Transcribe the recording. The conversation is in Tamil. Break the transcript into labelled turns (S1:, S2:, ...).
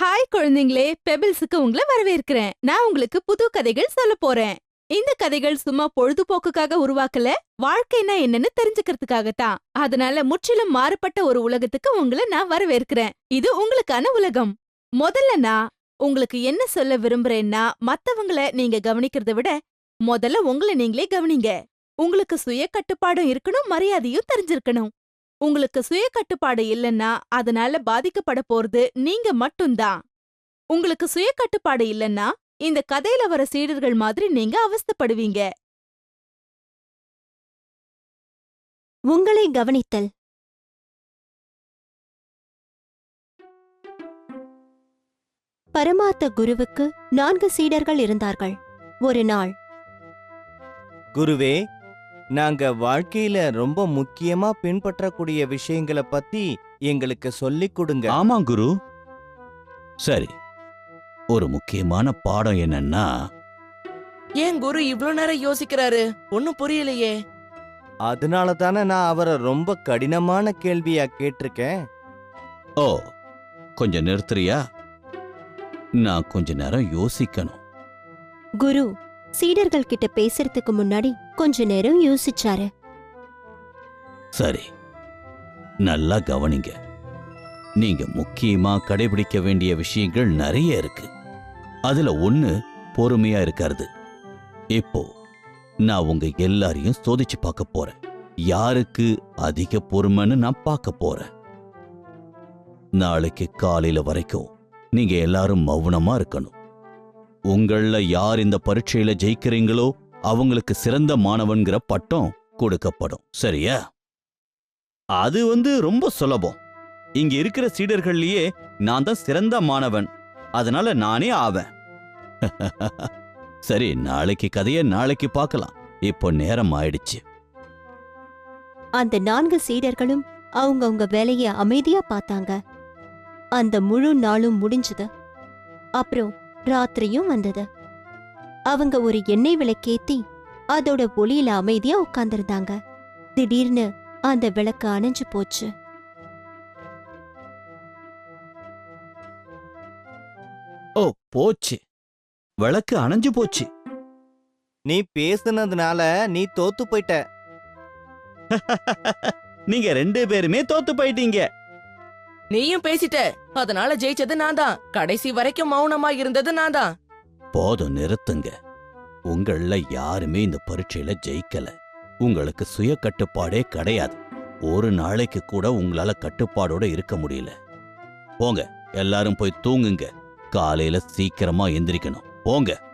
S1: ஹாய் குழந்தைங்களே, பெபிள்ஸுக்கு உங்களை வரவேற்கிறேன். நான் உங்களுக்கு புது கதைகள் சொல்ல போறேன். இந்த கதைகள் சும்மா பொழுதுபோக்குக்காக உருவாக்கல, வாழ்க்கைனா என்னன்னு தெரிஞ்சுக்கிறதுக்காகத்தான். அதனால முற்றிலும் மாறுபட்ட ஒரு உலகத்துக்கு உங்களை நான் வரவேற்கிறேன். இது உங்களுக்கான உலகம். முதல்ல நான் உங்களுக்கு என்ன சொல்ல விரும்புறேன்னா, மத்தவங்கள நீங்க கவனிக்கிறத விட முதல்ல உங்களை நீங்களே கவனிங்க. உங்களுக்கு சுய கட்டுப்பாடும் இருக்கணும், மரியாதையும் தெரிஞ்சிருக்கணும். உங்களுக்கு சுய கட்டுப்பாடு இல்லைன்னா அதனால பாதிக்கப்பட போறது நீங்க மட்டும்தான். உங்களுக்கு சுய கட்டுப்பாடு இல்லைன்னா இந்த கதையில வர சீடர்கள் மாதிரி நீங்க அவஸ்தைப்படுவீங்க.
S2: உங்களை கவனித்தல். பரமார்த்த குருவுக்கு 4 சீடர்கள் இருந்தார்கள். ஒரு நாள்,
S3: குருவே, நாங்க வாழ்க்கையில ரொம்ப முக்கியமா பின்பற்றக்கூடிய விஷயங்களை பத்தி எங்களுக்கு சொல்லிக் கொடுங்க.
S4: ஆமா குரு. சரி, ஒரு முக்கியமான பாடம் என்னன்னா,
S5: ஏன் குரு இவ்ளோ நேரம் யோசிக்கிறாரு? ஒன்னும் புரியலையே.
S3: அதனால தானே நான் அவரை ரொம்ப கடினமான கேள்வியா கேட்டிருக்கேன்.
S4: ஓ, கொஞ்சம் நிறுத்துறியா? நான் கொஞ்ச நேரம் யோசிக்கணும்.
S2: குரு சீடர்கள் கிட்ட பேசுறதுக்கு முன்னாடி கொஞ்ச நேரம் யோசிச்சாரு.
S4: சரி, நல்லா கவனிங்க. நீங்க முக்கியமா கடைபிடிக்க வேண்டிய விஷயங்கள் நிறைய இருக்கு. அதுல ஒண்ணு பொறுமையா இருக்கிறது. இப்போ நான் உங்க எல்லாரையும் சோதிச்சு பார்க்க போறேன். யாருக்கு அதிக பொறுமைன்னு நான் பார்க்க போறேன். நாளைக்கு காலையில வரைக்கும் நீங்க எல்லாரும் மௌனமா இருக்கணும். உங்கள யார் இந்த பரீட்சையில ஜெயிக்கிறீங்களோ அவங்களுக்கு சிறந்த மாணவன்கிற பட்டம் கொடுக்கப்படும். சரியா? அது ரொம்ப சுலபம். இங்க இருக்கிற சீடர்கள்லயே நான் தான் சிறந்த மாணவன். அதனால நானே ஆவேன். சரி, நாளைக்கு கதைய நாளைக்கு பார்க்கலாம். இப்போ நேரம் ஆயிடுச்சு.
S2: அந்த 4 சீடர்களும் அவங்கவங்க வேலைய அமைதியா பார்த்தாங்க. அந்த முழு நாளும் முடிஞ்சது. அப்புறம் ராத்திரியும் வந்தது. அவங்க ஒரு எண்ணெய் விளக்கேத்தி அதோட ஒளியில அமைதியா உட்கார்ந்திருந்தாங்க. திடீர்னு அந்த விளக்கு அணைஞ்சு போச்சு.
S4: ஓ, போச்சு. விளக்கு அணைஞ்சு போச்சு.
S3: நீ பேசுனதுனால நீ தோத்து போயிட்ட.
S4: நீங்க 2 பேருமே தோத்து போயிட்டீங்க.
S5: நீயும் பேசிட்ட, அதனால ஜெயிச்சது நான் தான். கடைசி வரைக்கும் மௌனமா இருந்தது நான் தான்.
S4: போதும், நிறுத்துங்க. உங்கள யாருமே இந்த பரீட்சையில ஜெயிக்கல. உங்களுக்கு சுய கட்டுப்பாடே கிடையாது. ஒரு நாளைக்கு கூட உங்களால கட்டுப்பாடோட இருக்க முடியல. போங்க, எல்லாரும் போய் தூங்குங்க. காலையில சீக்கிரமா எந்திரிக்கணும். போங்க.